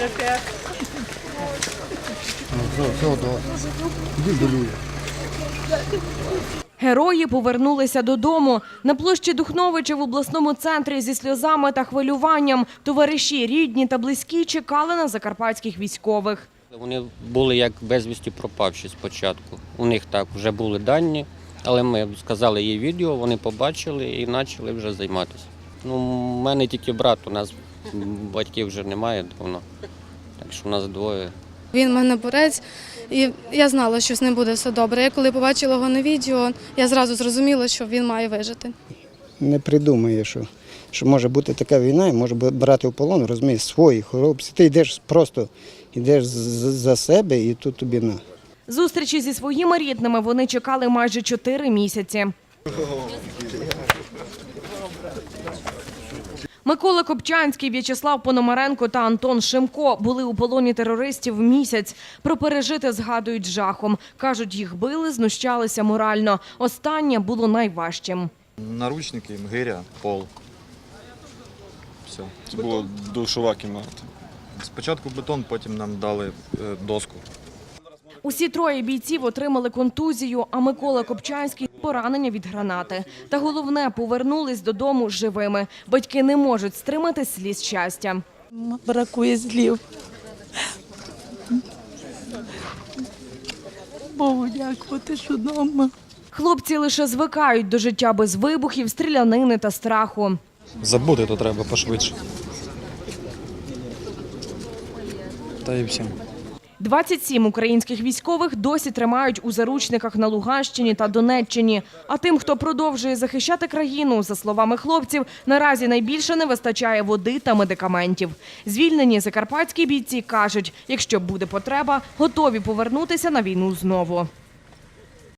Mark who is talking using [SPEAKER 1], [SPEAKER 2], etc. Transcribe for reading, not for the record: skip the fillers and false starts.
[SPEAKER 1] Герої повернулися додому. На площі Духновича в обласному центрі зі сльозами та хвилюванням товариші, рідні та близькі чекали на закарпатських військових.
[SPEAKER 2] Вони були як безвісті пропавші спочатку. У них так вже були дані, але ми сказали їй відео, вони побачили і почали вже займатися. У мене тільки брат, у нас батьків вже немає давно, так що у нас двоє.
[SPEAKER 3] Він в мене борець, і я знала, що з ним буде все добре. Я коли побачила його на відео, я зразу зрозуміла, що він має вижити.
[SPEAKER 4] Не придумає, що може бути така війна, і може брати в полон, розумієш, свої хлопці. Ти йдеш просто, йдеш за себе і тут тобі на.
[SPEAKER 1] Зустрічі зі своїми рідними вони чекали майже 4 місяці. Микола Копчанський, В'ячеслав Пономаренко та Антон Шимко були у полоні терористів місяць. Про пережите згадують з жахом. Кажуть, їх били, знущалися морально. Останнє було найважчим.
[SPEAKER 5] Наручники, гиря, пол. Все. Це була душова кімната. Спочатку бетон, потім нам дали доску.
[SPEAKER 1] Усі троє бійців отримали контузію, а Микола Копчанський – поранення від гранати. Та головне – повернулись додому живими. Батьки не можуть стримати сліз щастя.
[SPEAKER 6] Бракує слів. Богу дякувати, що вдома.
[SPEAKER 1] Хлопці лише звикають до життя без вибухів, стрілянини та страху.
[SPEAKER 5] Забути то треба пошвидше. Та і все.
[SPEAKER 1] 27 українських військових досі тримають у заручниках на Луганщині та Донеччині. А тим, хто продовжує захищати країну, за словами хлопців, наразі найбільше не вистачає води та медикаментів. Звільнені закарпатські бійці кажуть, якщо буде потреба, готові повернутися на війну знову.